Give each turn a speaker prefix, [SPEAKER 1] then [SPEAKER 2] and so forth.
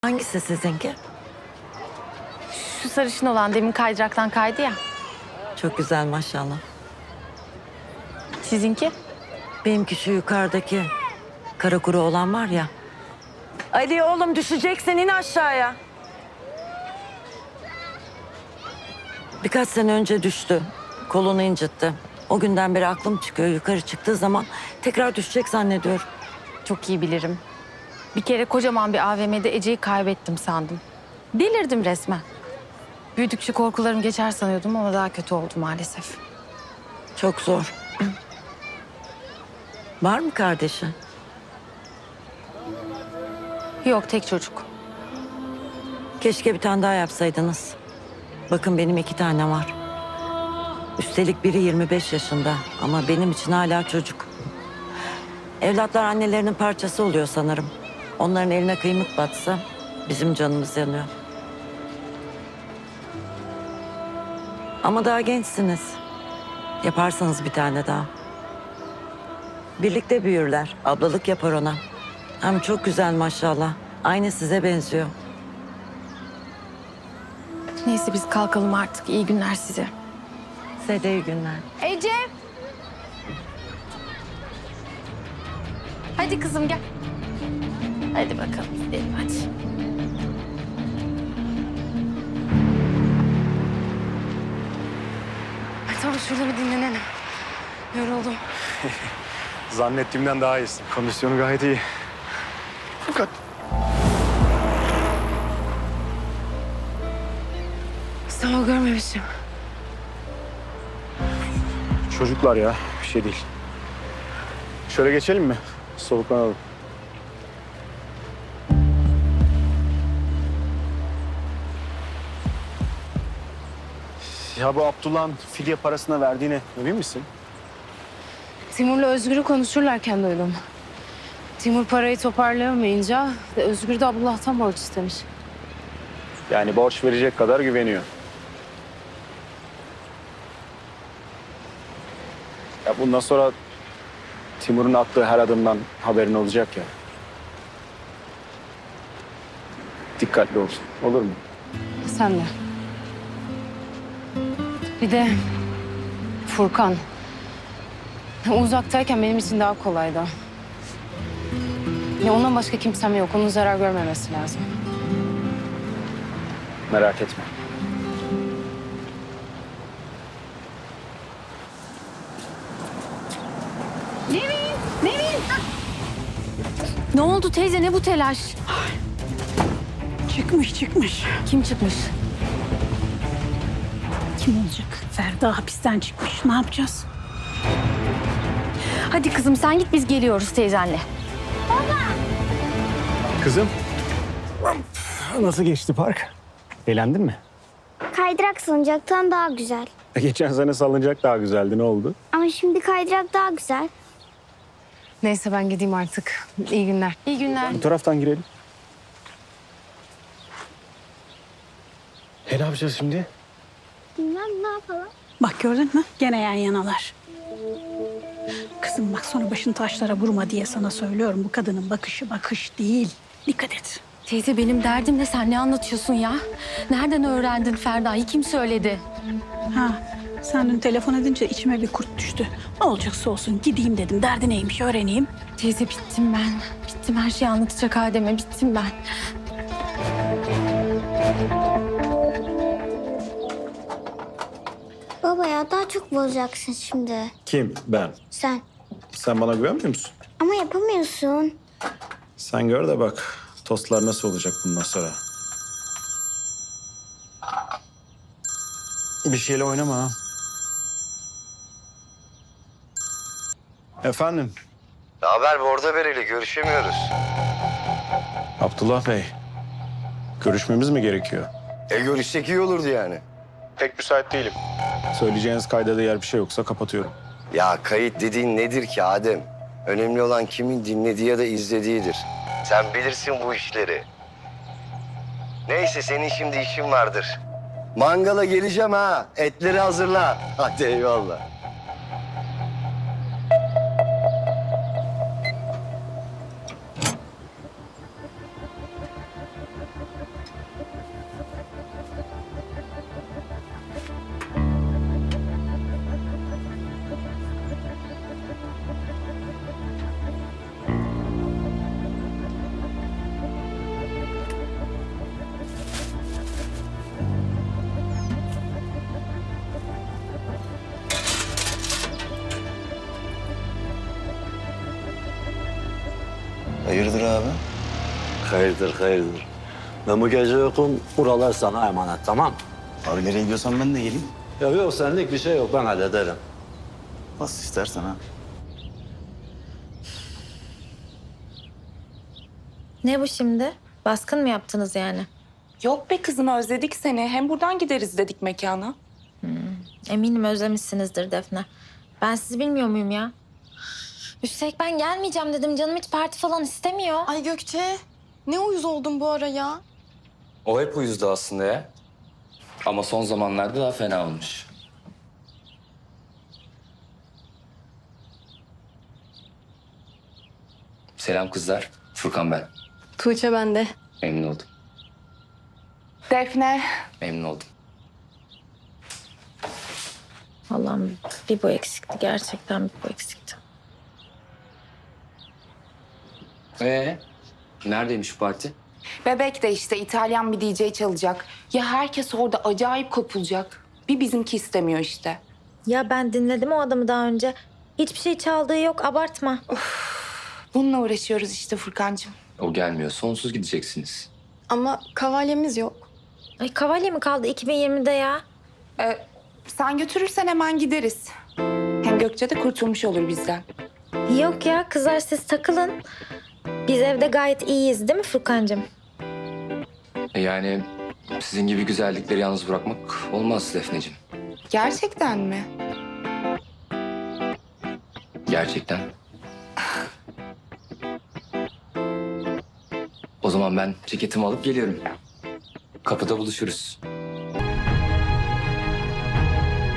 [SPEAKER 1] Hangisi sizinki?
[SPEAKER 2] Şu sarışın olan demin kaydıraktan kaydı ya.
[SPEAKER 1] Çok güzel maşallah.
[SPEAKER 2] Sizinki?
[SPEAKER 1] Benimki şu yukarıdaki kara kuru olan var ya. Ali oğlum düşeceksin, in aşağıya. Birkaç sene önce düştü. Kolunu incitti. O günden beri aklım çıkıyor. Yukarı çıktığı zaman tekrar düşecek zannediyorum.
[SPEAKER 2] Çok iyi bilirim. Bir kere kocaman bir AVM'de Ece'yi kaybettim sandım. Delirdim resmen. Büyüdükçe korkularım geçer sanıyordum ama daha kötü oldu maalesef.
[SPEAKER 1] Çok zor. Var mı kardeşi?
[SPEAKER 2] Yok, tek çocuk.
[SPEAKER 1] Keşke bir tane daha yapsaydınız. Bakın benim 2 tane var. Üstelik biri 25 yaşında ama benim için hala çocuk. Evlatlar annelerinin parçası oluyor sanırım. Onların eline kıymık batsa bizim canımız yanıyor. Ama daha gençsiniz. Yaparsanız bir tane daha. Birlikte büyürler. Ablalık yapar ona. Hem çok güzel maşallah. Aynı size benziyor.
[SPEAKER 2] Neyse biz kalkalım artık. İyi günler size.
[SPEAKER 1] Size de iyi günler.
[SPEAKER 2] Ece! Hadi kızım gel. Hadi bakalım gidelim hadi. Tamam şurada bir dinlenelim. Yoruldum.
[SPEAKER 3] Zannettiğimden daha iyisin. Kondisyonu gayet iyi. Fakat
[SPEAKER 2] Sağ ol, görmemişim.
[SPEAKER 3] çocuklar ya, bir şey değil. Şöyle geçelim mi? Soluklanalım. Ya bu Abdullah'ın fidye parasına verdiğine emin misin?
[SPEAKER 4] Timur'la Özgür'ü konuşurlarken duydum. Timur parayı toparlayamayınca Özgür de Abdullah'tan borç istemiş.
[SPEAKER 3] Yani borç verecek kadar güveniyor. Ya bundan sonra Timur'un attığı her adımdan haberin olacak ya. Dikkatli ol. Olur mu?
[SPEAKER 4] Sen de. Bir de Furkan. Uzaktayken benim için daha kolaydı. Ya ondan başka kimsem yok. Onun zarar görmemesi lazım.
[SPEAKER 3] Merak etme.
[SPEAKER 2] Ne oldu teyze, ne bu telaş?
[SPEAKER 5] Çıkmış.
[SPEAKER 2] Kim çıkmış?
[SPEAKER 5] Kim olacak? Ferda hapisten çıkmış. Ne yapacağız?
[SPEAKER 2] Hadi kızım sen git, biz geliyoruz teyzenle.
[SPEAKER 3] Kızım. Nasıl geçti park? Eğlendin mi?
[SPEAKER 6] Kaydırak salıncaktan daha güzel.
[SPEAKER 3] Geçen sene salıncak daha güzeldi. Ne oldu?
[SPEAKER 6] Ama şimdi kaydırak daha güzel.
[SPEAKER 4] Neyse ben gideyim artık. İyi günler.
[SPEAKER 2] İyi günler.
[SPEAKER 3] Bu taraftan girelim. Ne yapacağız şimdi?
[SPEAKER 6] Bilmem ne yapalım.
[SPEAKER 5] Bak gördün mü? Gene yan yanalar. Kızım bak sonra başını taşlara vurma diye sana söylüyorum. Bu kadının bakışı bakış değil. Dikkat et.
[SPEAKER 2] Teyze benim derdim ne, sen ne anlatıyorsun ya? Nereden öğrendin Ferda'yı, kim söyledi?
[SPEAKER 5] Ha, sen dün telefon edince içime bir kurt düştü. Ne olacaksa olsun gideyim dedim. Derdi neymiş öğreneyim.
[SPEAKER 2] Teyze bittim ben. Bittim, her şeyi anlatacak Adem'e, bittim ben.
[SPEAKER 6] Baba ya daha çok bozacaksın şimdi.
[SPEAKER 3] Kim? Ben.
[SPEAKER 6] Sen.
[SPEAKER 3] Sen bana güvenmiyor musun?
[SPEAKER 6] Ama yapamıyorsun.
[SPEAKER 3] Sen gör de bak tostlar nasıl olacak bundan sonra. Bir şeyle oynama ha. Efendim?
[SPEAKER 7] Ne haber Borda Bereli? Görüşemiyoruz.
[SPEAKER 3] Abdullah Bey. Görüşmemiz mi gerekiyor?
[SPEAKER 7] Görüşsek iyi olurdu yani.
[SPEAKER 3] Pek müsait değilim. Söyleyeceğiniz kayda değer bir şey yoksa kapatıyorum.
[SPEAKER 7] Ya kayıt dediğin nedir ki Adem? Önemli olan kimin dinlediği ya da izlediğidir. Sen bilirsin bu işleri. Neyse senin şimdi işin vardır. Mangala geleceğim ha. Etleri hazırla. Hadi eyvallah. Hayırdır abi?
[SPEAKER 8] Hayırdır, hayırdır. Ben bu gece yokum, buralar sana emanet, tamam?
[SPEAKER 9] Abi nereye gidiyorsan ben de geleyim.
[SPEAKER 8] Yok senlik bir şey yok, ben hallederim.
[SPEAKER 9] Nasıl istersen ha.
[SPEAKER 2] Ne bu şimdi? Baskın mı yaptınız yani?
[SPEAKER 10] Yok be kızım özledik seni. Hem buradan gideriz dedik mekana.
[SPEAKER 2] Eminim özlemişsinizdir Defne. Ben sizi bilmiyor muyum ya? Üstelik ben gelmeyeceğim dedim. Canım hiç parti falan istemiyor.
[SPEAKER 11] Ay Gökçe, ne uyuz oldun bu ara ya?
[SPEAKER 12] O hep uyuzdu aslında ya. Ama son zamanlarda daha fena olmuş. Selam kızlar. Furkan ben.
[SPEAKER 11] Tuğçe bende.
[SPEAKER 12] Memnun oldum.
[SPEAKER 10] Defne.
[SPEAKER 12] Memnun oldum.
[SPEAKER 2] Allah'ım bir bu eksikti. Gerçekten bir bu eksikti.
[SPEAKER 12] Neredeymiş bu parti?
[SPEAKER 10] Bebek de işte İtalyan bir DJ çalacak. Ya herkes orada acayip kopulacak. Bir bizimki istemiyor işte.
[SPEAKER 2] Ya ben dinledim o adamı daha önce. Hiçbir şey çaldığı yok. Abartma.
[SPEAKER 10] Bununla uğraşıyoruz işte Furkancığım.
[SPEAKER 12] O gelmiyor. Sonsuz gideceksiniz.
[SPEAKER 11] Ama kavalyemiz yok.
[SPEAKER 2] Ay kavalye mi kaldı 2020'de ya?
[SPEAKER 10] Sen götürürsen hemen gideriz. Hem Gökçe de kurtulmuş olur bizden.
[SPEAKER 2] Yok ya kızlar siz takılın. Biz evde gayet iyiyiz değil mi Furkancığım?
[SPEAKER 12] Yani sizin gibi güzellikleri yalnız bırakmak olmaz Defneciğim.
[SPEAKER 10] Gerçekten mi?
[SPEAKER 12] Gerçekten. O zaman ben ceketimi alıp geliyorum. Kapıda buluşuruz.